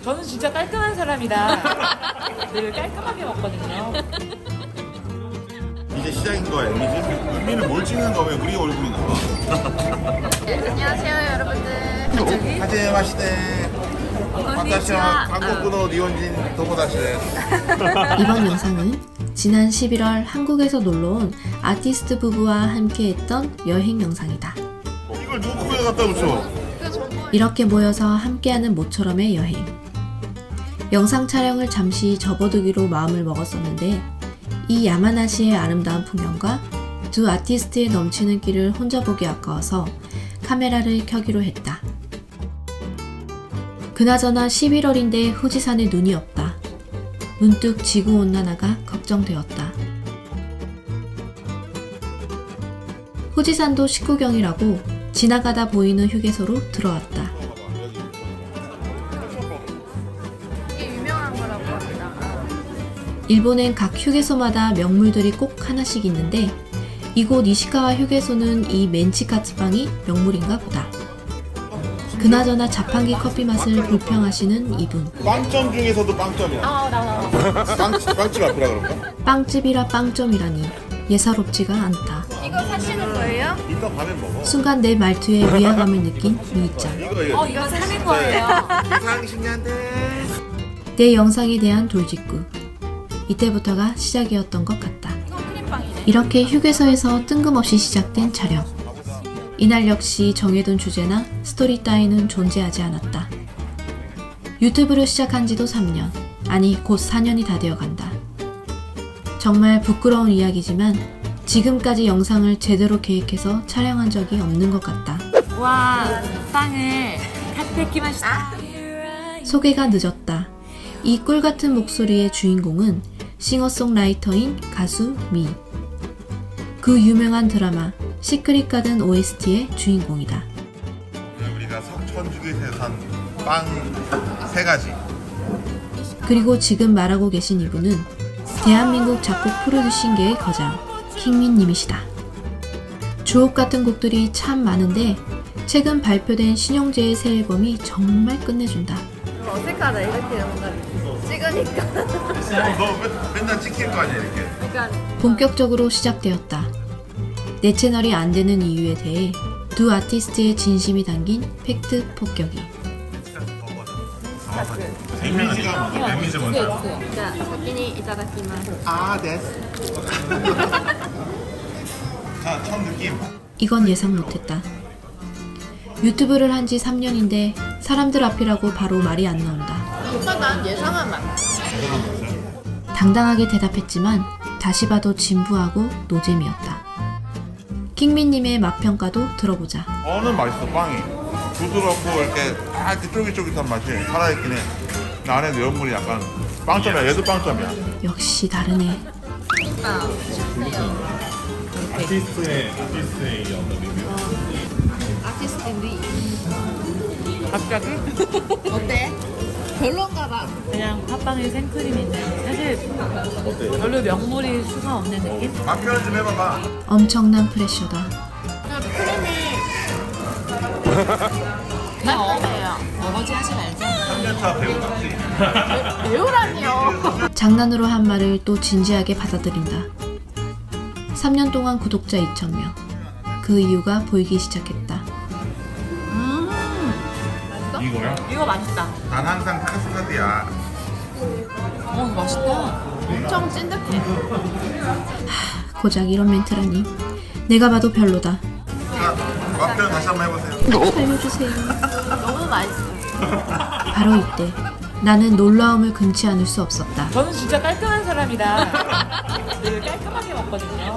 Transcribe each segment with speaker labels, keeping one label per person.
Speaker 1: 저는 진짜 깔끔한 사람이다. 늘 깔끔하게 먹거든요.
Speaker 2: 이제 시작인 거야, 이미지? 의미는 뭘 찍는 거면 우리 얼굴이 나와.
Speaker 3: 안녕하세요 여러분들.
Speaker 2: 하제 마시대. 반갑습니다. 한국분호 니혼진 도모다시대.
Speaker 4: 이번 영상은 지난 11월 한국에서 놀러온 아티스트 부부와 함께했던 여행 영상이다.
Speaker 2: 이걸 누구 코에 갖다 붙여?
Speaker 4: 이렇게 모여서 함께하는 모처럼의 여행. 영상 촬영을 잠시 접어두기로 마음을 먹었었는데 이 야마나시의 아름다운 풍경과 두 아티스트의 넘치는 끼를 혼자 보기 아까워서 카메라를 켜기로 했다. 그나저나 11월인데 후지산에 눈이 없다. 문득 지구온난화가 걱정되었다. 후지산도 식구경이라고 지나가다 보이는 휴게소로 들어왔다.
Speaker 3: 이게 유명한 거라고 합니다.
Speaker 4: 일본엔 각 휴게소마다 명물들이 꼭 하나씩 있는데 이곳 이시카와 휴게소는 이 멘치카츠빵이 명물인가 보다. 그나저나 자판기 커피 맛을 불평하시는 이분.
Speaker 2: 빵점 중에서도 빵점이야.
Speaker 1: 나.
Speaker 2: 빵집 앞이라 그런가?
Speaker 4: 빵집이라 빵점이라니 예사롭지가 않다.
Speaker 3: 이거 사시는 거예요?
Speaker 2: 이따 밤에 먹어.
Speaker 4: 순간 내 말투에 위화감을 느낀 미이짱.
Speaker 1: 이거 사는 거예요.
Speaker 2: 이상신기한데.
Speaker 4: 내 영상에 대한 돌직구. 이때부터가 시작이었던 것 같다.
Speaker 3: 이건 크림빵이네.
Speaker 4: 이렇게 휴게소에서 뜬금없이 시작된 촬영. 이날 역시 정해둔 주제나 스토리 따위는 존재하지 않았다. 유튜브를 시작한 지도 3년, 아니 곧 4년이 다 되어간다. 정말 부끄러운 이야기지만 지금까지 영상을 제대로 계획해서 촬영한 적이 없는 것 같다.
Speaker 1: 와, 빵을 카테키마시타.
Speaker 4: 소개가 늦었다. 이 꿀같은 목소리의 주인공은 싱어송라이터인 가수 미. 그 유명한 드라마 시크릿 가든 OST의 주인공이다.
Speaker 2: 우리가 석천주기에서 산 빵 3가지.
Speaker 4: 그리고 지금 말하고 계신 이분은 대한민국 작곡 프로듀싱계의 거장 킹민님이시다. 주옥 같은 곡들이 참 많은데 최근 발표된 신용재의 새 앨범이 정말 끝내준다.
Speaker 3: 어색하다 이렇게 뭔가 찍으니까.
Speaker 2: 너 맨날 찍힐 거 아니야, 이렇게.
Speaker 3: 약간
Speaker 4: 본격적으로 시작되었다. 내 채널이 안 되는 이유에 대해 두 아티스트의 진심이 담긴 팩트 폭격이.
Speaker 2: 이미지가 뭐야? 이미지 뭔데?
Speaker 3: 자先にいただきます。
Speaker 2: 아, 됐어. 자, 첫 느낌.
Speaker 4: 이건 예상 못했다. 유튜브를 한 지 3년인데 사람들 앞이라고 바로 말이 안 나온다.
Speaker 3: 난 예상한 맛.
Speaker 4: 당당하게 대답했지만 다시 봐도 진부하고 노잼이었다. 킹민님의 맛평가도 들어보자.
Speaker 2: 어는 맛있어, 빵이. 부드럽고 이렇게 쫄깃쫄깃한 맛이 살아있긴 해. 근데 안에 내용물이 약간 빵점이야. 얘도 빵점이야.
Speaker 4: 역시 다르네.
Speaker 3: 아티스트들이
Speaker 1: 갑자기?
Speaker 3: 어때? 별론가 봐.
Speaker 1: 그냥 팥빵에 생크림인데 사실 별로 명물이 수가 없는 느낌?
Speaker 2: 맛 표현 좀 해봐봐.
Speaker 4: 엄청난 프레셔다.
Speaker 1: 그냥 어거지 하지 말자.
Speaker 2: 3년차 배우 같지?
Speaker 3: 배우라니요.
Speaker 4: 장난으로 한 말을 또 진지하게 받아들인다. 3년 동안 구독자 2,000명. 그 이유가 보이기 시작했다.
Speaker 2: 이거야?
Speaker 1: 이거 맛있다.
Speaker 2: 난 항상 카스타드야.
Speaker 1: 맛있다.
Speaker 3: 엄청 찐득해.
Speaker 4: 고작 이런 멘트라니. 내가 봐도 별로다.
Speaker 2: 자, 맛 표현 다시 한번 해보세요.
Speaker 4: 살려주세요.
Speaker 3: 너무 맛있어.
Speaker 4: 바로 이때 나는 놀라움을 금치 않을 수 없었다.
Speaker 1: 저는 진짜 깔끔한 사람이다. 늘 깔끔하게 먹거든요.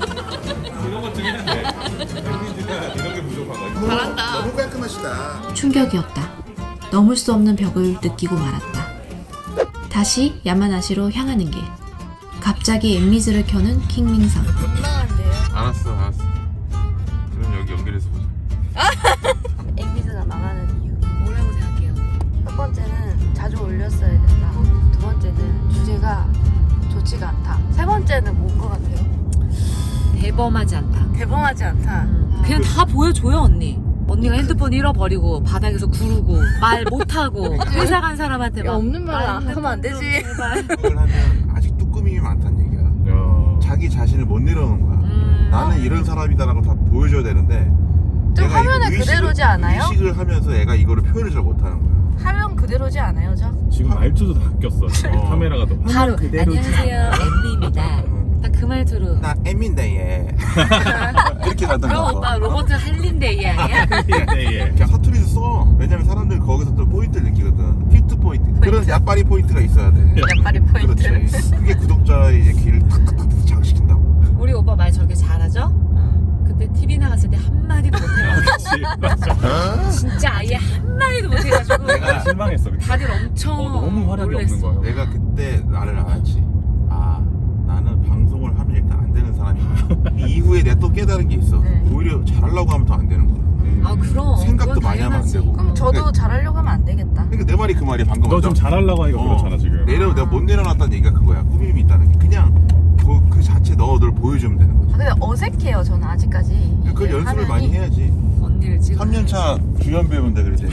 Speaker 3: 잘한다.
Speaker 2: 너무 깔끔하시다.
Speaker 4: 충격이었다. 넘을 수 없는 벽을 느끼고 말았다. 다시 야마나시로 향하는 길. 갑자기 엠미즈를 켜는 킹민상.
Speaker 3: 민망한데요.
Speaker 2: 알았어. 그럼 여기 연결해서 보자.
Speaker 3: 엑비즈가 망하는 이유 뭐라고 생각해요? 첫 번째는 자주 올렸어야 된다. 두 번째는 주제가 좋지가 않다. 세 번째는 뭔 것 같아요?
Speaker 1: 대범하지 않다.
Speaker 3: 대범하지 않다.
Speaker 1: 그냥 다 보여줘요 언니. 언니가 핸드폰 잃어버리고 바닥에서 구르고 말 못하고 회사 간 사람한테 막
Speaker 3: 없는 말
Speaker 1: 나
Speaker 3: 하면 안 되지.
Speaker 1: 제발.
Speaker 2: 그걸 하면 아직 뚜꾸밈이 많다는 얘기야.
Speaker 5: 야.
Speaker 2: 자기 자신을 못 내려놓는 거야. 나는 이런 사람이다라고 다 보여줘야 되는데
Speaker 3: 좀
Speaker 2: 얘가
Speaker 3: 화면에
Speaker 2: 이거
Speaker 3: 그대로지 않아요?
Speaker 2: 의식을 하면서 애가 이거를 표현을 잘 못하는 거야.
Speaker 3: 화면 그대로지 않아요, 저?
Speaker 5: 지금 말투도 다 바뀌었어. 카메라가 더
Speaker 1: 바로
Speaker 5: 그대로지.
Speaker 1: 안녕하세요 엠리입니다. 딱 그 말투로.
Speaker 2: 나 M인데 얘 이렇게 가던
Speaker 1: 그럼
Speaker 2: 거.
Speaker 1: 오빠 로버트 할린데이 아니야?
Speaker 5: 예.
Speaker 2: 그냥 사투리도 써. 왜냐면 사람들 거기서 또 포인트를 느끼거든. 히트 포인트. 그런 약발이 포인트가 있어야 돼.
Speaker 3: 약발이 포인트.
Speaker 2: 그렇지. 그게 구독자의 이제 길을 탁탁탁 장식한다고.
Speaker 1: 우리 오빠 말 저렇게 잘하죠? 그때 TV 나갔을 때 한마디도 못해가지고
Speaker 5: 그렇지. 맞아.
Speaker 1: 진짜 아예 한마디도 못해가지고
Speaker 5: 내가 실망했어. 그때.
Speaker 1: 다들 엄청
Speaker 5: 너무 활약이
Speaker 1: 놀랬어.
Speaker 5: 없는 거예요.
Speaker 2: 내가 그때 나를 알았지. 아, 나는 방송을 하면 일단 안 되는 사람이야. 이 이후에 내가 또 깨달은 게 있어.
Speaker 3: 네.
Speaker 2: 오히려 잘하려고 하면 더 안 되는 거야.
Speaker 1: 아 그럼
Speaker 2: 생각도
Speaker 1: 그건
Speaker 2: 많이 하면 안
Speaker 1: 당연하지.
Speaker 2: 되고.
Speaker 3: 그럼 저도 잘하려고 하면 안 되겠다.
Speaker 2: 그러니까 내 말이 그 말이야. 방금
Speaker 5: 너 좀 잘하려고 하니까 그렇잖아 지금.
Speaker 2: 내가 못 내려놨다는 얘기가 그거야. 꾸밈이 있다는 게. 그냥 그 자체 널 보여주면 되는 거지.
Speaker 3: 아, 근데 어색해요, 저는 아직까지.
Speaker 2: 그걸 연습을 많이 해야지.
Speaker 1: 언니를 찍어
Speaker 2: 3년차 주연 배우인데 그래도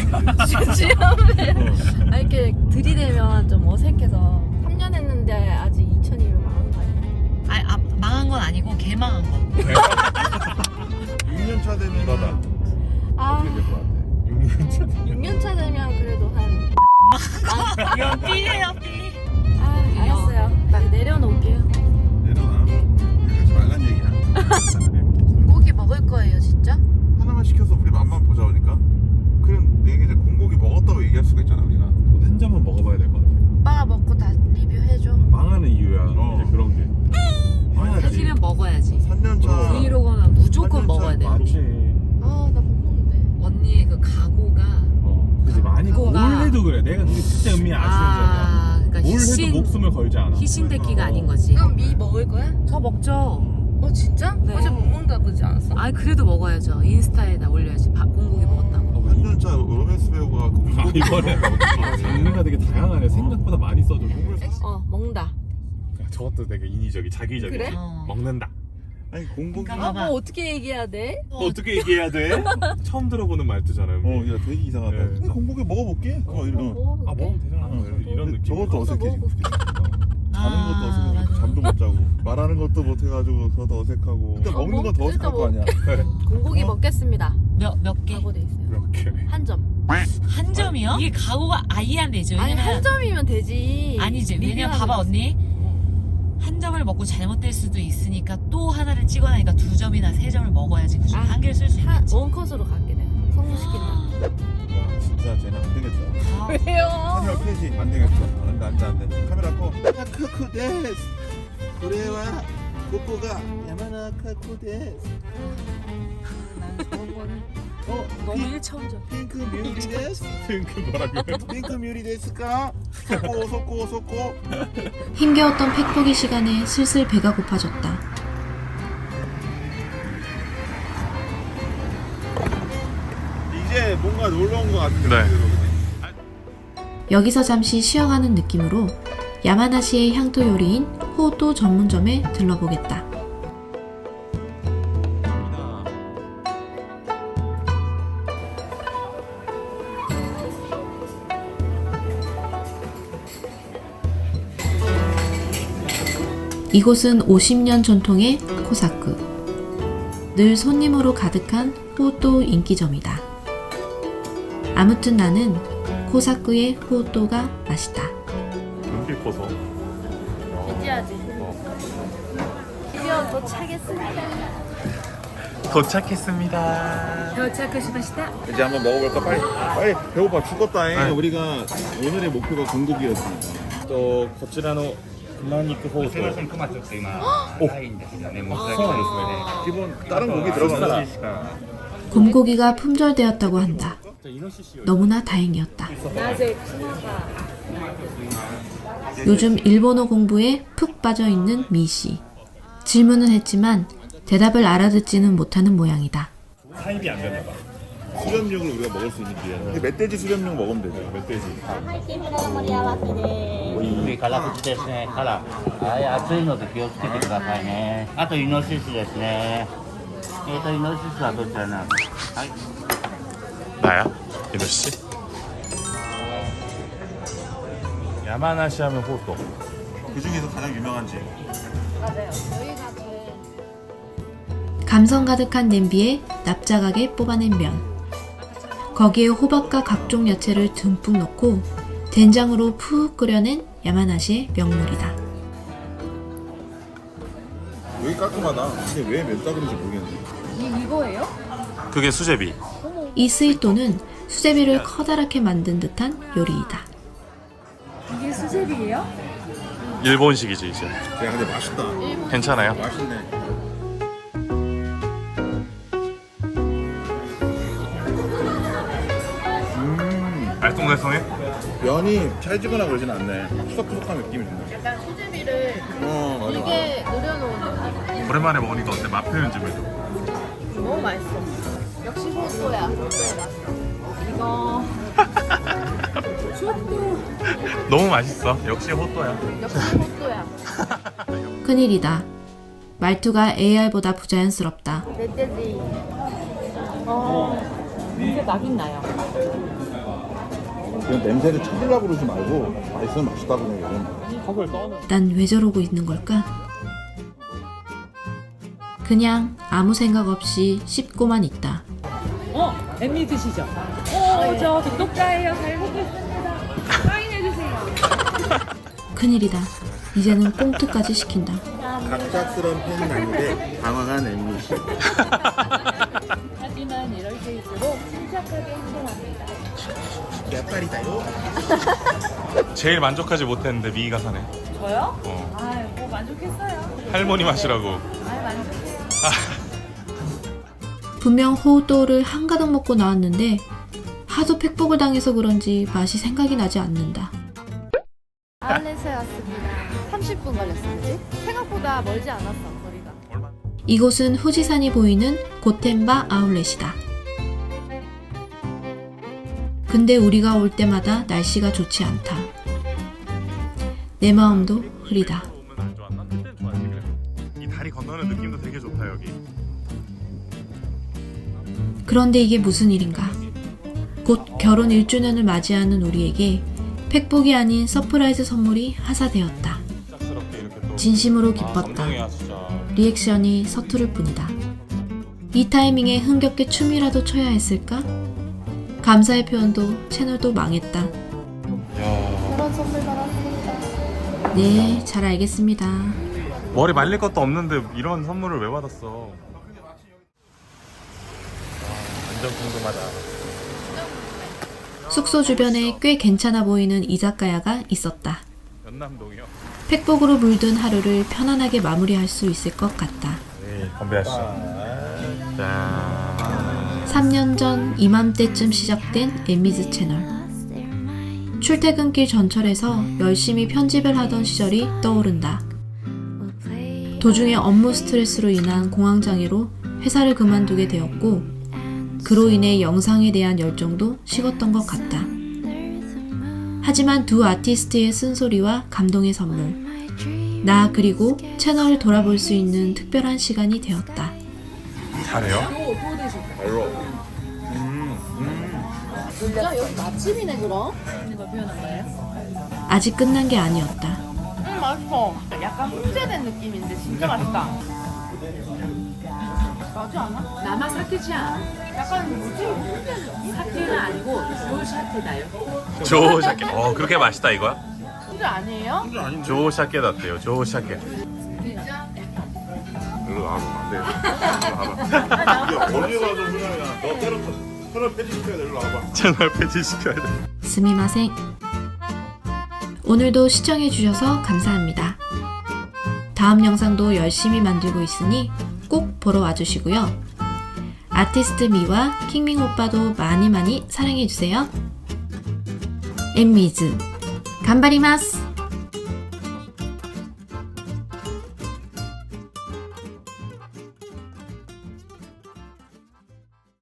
Speaker 3: 아, 이렇게 들이대면 좀 어색해서 3년 했는데 아직 2000이면 망한 거 아니야?
Speaker 1: 망한 건 아니고 개망한 거
Speaker 2: 6년차 되면
Speaker 5: 너다.
Speaker 3: 아,
Speaker 5: 어떻게 될 것 같아?
Speaker 3: 6년 차 되면 그래도 한.
Speaker 1: 이건 삐예요 삐
Speaker 3: 아, 알았어요. 나 내려놓을게요.
Speaker 2: 내려놔. 하지 말란 얘기야.
Speaker 3: 공고기 먹을 거예요, 진짜?
Speaker 2: 하나만 시켜서 우리 맛만 보자 보니까. 그럼 내가 이제 공고기 먹었다고 얘기할 수가 있잖아 우리가.
Speaker 5: 한 잔만 먹어봐야 될 것 같아.
Speaker 3: 오빠가 먹고 다 리뷰해줘.
Speaker 5: 망하는 이유야. 이제 그런 게. 망하지.
Speaker 1: 사실은 먹어야지
Speaker 2: 3년차.
Speaker 1: 브이로그는 무조건
Speaker 2: 완전
Speaker 1: 먹어야 돼요
Speaker 5: 맞지.
Speaker 3: 아, 나 못 먹는데.
Speaker 1: 언니의 그 각오가
Speaker 5: 그지 많이
Speaker 1: 그거가-
Speaker 5: 뭘 해도 그래. 내가 진짜 은미 아시는
Speaker 1: 그러니까
Speaker 5: 뭘 해도
Speaker 1: 희신
Speaker 5: 목숨을 걸지 않아.
Speaker 1: 희신대기가 아닌 거지
Speaker 3: 그럼 미 먹을 거야?
Speaker 1: 저 먹죠
Speaker 3: 진짜?
Speaker 1: 네.
Speaker 3: 어제 못 먹는다 그러지 않았어?
Speaker 1: 아 그래도 먹어야죠 인스타에다 올려야지 공고기 먹었다고
Speaker 2: 3년차 로맨스 배우가 그
Speaker 5: 아,
Speaker 2: 공고기
Speaker 5: 이번에 장르가 되게 다양하네. 생각보다 많이 써줘.
Speaker 3: 먹는다.
Speaker 5: 저것도 되게 인위적이 자기적이지.
Speaker 3: 그래?
Speaker 5: 먹는다.
Speaker 2: 아니 공고기.
Speaker 1: 그러니까 봐봐.
Speaker 3: 어떻게 얘기해야 돼?
Speaker 5: 어떻게 얘기해야 돼? 처음 들어보는 말투잖아요.
Speaker 2: 야 되게 이상하다.
Speaker 5: 네.
Speaker 2: 근데 공고기 먹어볼게. 이런.
Speaker 5: 아 먹으면 되잖아. 이런 느낌.
Speaker 2: 저것도 어색해 지금. 자는
Speaker 1: 아,
Speaker 2: 것도 어색하고
Speaker 1: 맞아.
Speaker 2: 잠도 못 자고 말하는 것도 못 해가지고 그것도 어색하고 일단 먹는 건 더 어색할 거 아니야.
Speaker 3: 공고기 먹겠습니다.
Speaker 1: 몇 개?
Speaker 3: 각오돼 있어요.
Speaker 5: 이렇게.
Speaker 3: 한 점.
Speaker 1: 한 점이요? 이게 각오가 아예 안 되죠
Speaker 3: 아니
Speaker 1: 왜냐면
Speaker 3: 한 점이면 되지.
Speaker 1: 아니지 왜냐면
Speaker 3: 리뷰하는
Speaker 1: 봐봐
Speaker 3: 거지.
Speaker 1: 언니 한 점을 먹고 잘못될 수도 있으니까 또 하나를 찍어내니까 2점이나 3점을 먹어야지 그중에
Speaker 3: 아,
Speaker 1: 한 개를 쓸 수 있겠지
Speaker 3: 원컷으로 갈게 내가. 성공시킨다.
Speaker 2: 와 진짜 쟤는 안 되겠다.
Speaker 1: 아,
Speaker 3: 왜요?
Speaker 2: 카메라 켜지 안 되겠어. 안돼. 카메라 꺼. 카쿠 데스. 그래와 코코가 야마나 카쿠 데스.
Speaker 1: 난 좋은 거를
Speaker 2: 너무
Speaker 1: 1차원적
Speaker 2: 핑크 뮤리 데스.
Speaker 5: 그 뭐라고요?
Speaker 2: 핑크 뮤리 데스까? 소꼬.
Speaker 4: 힘겨웠던 팩포기 시간에 슬슬 배가 고파졌다.
Speaker 2: 이제 뭔가 놀러 온 것 같은데.
Speaker 5: 네.
Speaker 4: 여기서 잠시 쉬어가는 느낌으로 야마나시의 향토 요리인 호또 전문점에 들러보겠다. 이곳은 50년 전통의 코사쿠. 늘 손님으로 가득한 호또 인기점이다. 아무튼 나는 코사쿠의 호또가 맛있다.
Speaker 5: 눈빛 커서.
Speaker 3: 기지하지. 드디어 도착했습니다.
Speaker 5: 도착했습니다.
Speaker 1: 도착하시마시다
Speaker 2: 이제 한번 먹어볼까? 빨리 배고파 죽겠다. 우리가 오늘의 목표가 공고기였으니까.
Speaker 5: こちらの熊肉ほうとう。
Speaker 2: 기본 다른 고기 들어간다.
Speaker 4: 곰고기가 품절되었다고 한다. 너무나 다행이었다. 요즘 일본어 공부에 푹 빠져 있는 미씨. 질문은 했지만 대답을 알아듣지는 못하는 모양이다.
Speaker 5: 사입이 안 됐나 봐.
Speaker 2: 수렴육을 우리가 먹을 수 있는 기회. 멧돼지 수렴육 먹으면 되죠. 멧돼지.
Speaker 6: 上から口ですね。から、はい、熱いので気をつけてくださいね。あとイノシシですね。イノシシはどちらなんですか。はい。
Speaker 7: 다야? 민호 씨? 야마나시 하면 호또.
Speaker 2: 그 중에서 가장 유명한 집.
Speaker 4: 감성 가득한 냄비에 납작하게 뽑아낸 면. 거기에 호박과 각종 야채를 듬뿍 넣고 된장으로 푹 끓여낸 야마나시의 명물이다.
Speaker 2: 여기 깔끔하다. 근데 왜 맵다그런지 모르겠네.
Speaker 7: 그게 수제비.
Speaker 4: 이 스이또는 수제비를 커다랗게 만든 듯한 요리이다.
Speaker 7: 일본식이지 이제.
Speaker 2: 야 근데 맛있다.
Speaker 7: 괜찮아요?
Speaker 2: 맛있네.
Speaker 7: 알쏭달쏭해?
Speaker 2: 면이 찰지거나 그러진 않네. 푸석푸석한 느낌이 든다.
Speaker 3: 약간 수제비를
Speaker 2: 맞아.
Speaker 3: 이게 노려놓은 느낌.
Speaker 7: 오랜만에 먹으니까 어때? 맛 표현 좀 해줘.
Speaker 3: 너무 맛있어. 역시 호소야. 이거
Speaker 7: 너무 맛있어. 역시 호또야.
Speaker 3: 역시 호소야.
Speaker 4: 큰일이다. 말투가 AR보다 부자연스럽다.
Speaker 3: 멧돼지.
Speaker 1: 이게 나긴 나요.
Speaker 2: 그냥 냄새를 찾으려고 그러지 말고 맛있으면 맛있다고 그냥 얘기하면
Speaker 7: 턱을 떠는.
Speaker 4: 난 왜 저러고 있는 걸까? 그냥 아무 생각 없이 씹고만 있다.
Speaker 1: 엠미 드시죠? 저 독독자예요. 잘 먹겠습니다. 사인해주세요.
Speaker 4: 큰일이다. 이제는 꽁트까지 시킨다.
Speaker 2: 갑작스러운 팬은 아닌데 당황한 엠미 씨.
Speaker 3: 하지만 이럴 때일수록 침착하게 행동합니다.
Speaker 2: 야빨이다요.
Speaker 7: 제일 만족하지 못했는데 미희가 사네.
Speaker 1: 저요?
Speaker 7: 어.
Speaker 1: 아유, 뭐 만족했어요.
Speaker 7: 할머니 맛이라고.
Speaker 1: 아유, 만족해요.
Speaker 4: 분명 호우또를 한가득 먹고 나왔는데 하도 팩복을 당해서 그런지 맛이 생각이 나지 않는다.
Speaker 3: 아울렛에 왔습니다. 30분 걸렸어, 그지? 생각보다 멀지 않았어, 거리가.
Speaker 7: 얼마?
Speaker 4: 이곳은 후지산이 보이는 고텐바 아울렛이다. 근데 우리가 올 때마다 날씨가 좋지 않다. 내 마음도 흐리다.
Speaker 7: 오면 안 좋았나? 그때는 좋았지 그래. 이 다리 건너는 느낌도 되게 좋다 여기.
Speaker 4: 그런데 이게 무슨 일인가? 곧 결혼 1주년을 맞이하는 우리에게 팩복이 아닌 서프라이즈 선물이 하사되었다.
Speaker 7: 짝스럽게 이렇게 또.
Speaker 4: 진심으로 기뻤다.
Speaker 7: 감동이야 진짜.
Speaker 4: 리액션이 서투를 뿐이다. 이 타이밍에 흥겹게 춤이라도 춰야 했을까? 감사의 표현도 채널도 망했다.
Speaker 7: 야.
Speaker 3: 그런 선물 받았습니다.
Speaker 4: 네, 잘 알겠습니다.
Speaker 7: 머리 말릴 것도 없는데 이런 선물을 왜 받았어? 와, 완전 궁금하다.
Speaker 4: 숙소 주변에 꽤 괜찮아 보이는 이자카야가 있었다.
Speaker 7: 연남동이요?
Speaker 4: 팩복으로 물든 하루를 편안하게 마무리할 수 있을 것 같다.
Speaker 7: 네, 건배하시죠. 짠.
Speaker 4: 3년 전 이맘때쯤 시작된 엠미즈 채널. 출퇴근길 전철에서 열심히 편집을 하던 시절이 떠오른다. 도중에 업무 스트레스로 인한 공황장애로 회사를 그만두게 되었고 그로 인해 영상에 대한 열정도 식었던 것 같다. 하지만 두 아티스트의 쓴소리와 감동의 선물, 나 그리고 채널을 돌아볼 수 있는 특별한 시간이 되었다.
Speaker 7: 잘해요?
Speaker 2: 별로.
Speaker 3: 진짜 여기 맛집이네, 그럼?
Speaker 1: 있는 걸 표현한 거예요?
Speaker 4: 아직 끝난 게 아니었다.
Speaker 3: 맛있어. 약간 훈제된 느낌인데 진짜 맛있다. 맞지 않아?
Speaker 1: 나만 사케지 않아.
Speaker 3: 약간 뭐지? 훈제 느낌?
Speaker 1: 사케는 아니고 조샤테다요.
Speaker 7: 조샤케. 그렇게 맛있다 이거야?
Speaker 3: 훈제 아니에요?
Speaker 7: 조샤케 같대요. 조샤케.
Speaker 2: 일로 나와봐. 안 돼. 야 어디 가서 그냥 너 채널 폐지시켜야 돼. 일로 와봐.
Speaker 7: 채널 폐지 시켜야 돼.
Speaker 4: 스미마생. 오늘도 시청해주셔서 감사합니다. 다음 영상도 열심히 만들고 있으니 꼭 보러 와주시고요. 아티스트 미와 킹밍 오빠도 많이 사랑해주세요. 엠미즈 간바리마스.